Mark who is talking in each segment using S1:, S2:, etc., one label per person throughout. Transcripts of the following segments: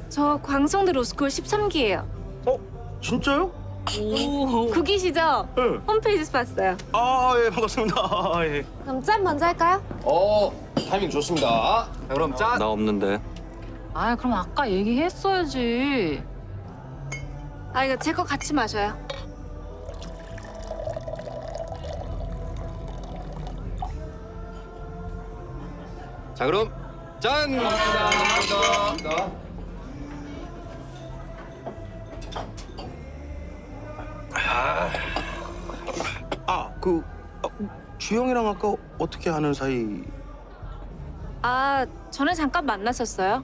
S1: 저 광성대 로스쿨 13기예요.
S2: 진짜요?
S3: 오.
S1: 국이시죠?
S2: 네.
S1: 홈페이지에서 봤어요.
S2: 예, 반갑습니다. 예.
S1: 그럼 짠 먼저 할까요?
S4: 타이밍 좋습니다. 자, 그럼 짠.
S5: 나 없는데.
S3: 아, 그럼 아까 얘기했어야지.
S1: 아, 이거 제 거 같이 마셔요.
S4: 자, 그럼 짠. 감사합니다.
S2: 주영이랑 아까 어떻게 아는 사이?
S1: 아, 전에 잠깐 만났었어요.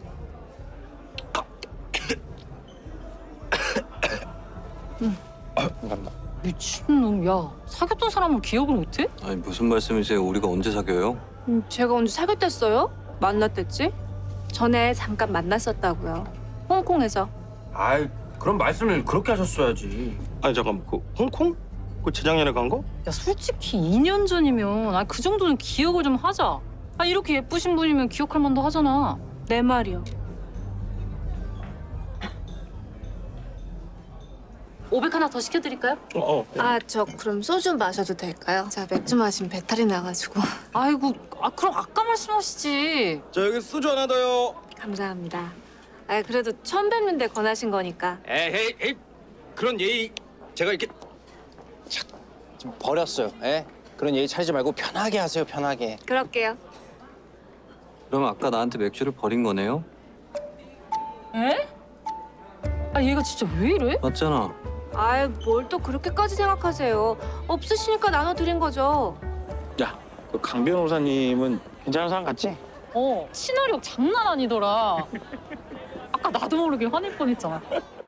S3: 미친놈, 야. 사귀었던 사람을 기억을 못해?
S5: 아니 무슨 말씀이세요? 우리가 언제 사귀어요?
S1: 제가 언제 사귀었댔어요? 만났댔지? 전에 잠깐 만났었다고요. 홍콩에서.
S6: 아이, 그럼 말씀을 그렇게 하셨어야지.
S2: 아니 잠깐 홍콩? 그 재작년에 간 거?
S3: 야, 솔직히 2년 전이면 그 정도는 기억을 좀 하자. 이렇게 예쁘신 분이면 기억할 만도 하잖아.
S1: 내 말이요.
S3: 500 하나 더 시켜드릴까요?
S1: 아, 저 그럼 소주 마셔도 될까요? 제가 맥주 마시면 배탈이 나가지고.
S3: 아이고, 그럼 아까 말씀하시지.
S2: 자 여기 소주 하나 더요.
S1: 감사합니다. 아, 그래도 처음 뵙는데 권하신 거니까.
S4: 에이, 그런 예의 제가 이렇게 좀 버렸어요. 예? 그런 예의 차리지 말고 편하게 하세요, 편하게.
S1: 그럴게요.
S5: 그럼 아까 나한테 맥주를 버린 거네요?
S3: 에? 얘가 진짜 왜 이래?
S5: 맞잖아.
S1: 아이, 뭘 또 그렇게까지 생각하세요. 없으시니까 나눠드린 거죠.
S6: 야, 그 강 변호사님은 괜찮은 사람 같지?
S3: 친화력 장난 아니더라. 아까 나도 모르게 화낼 뻔했잖아.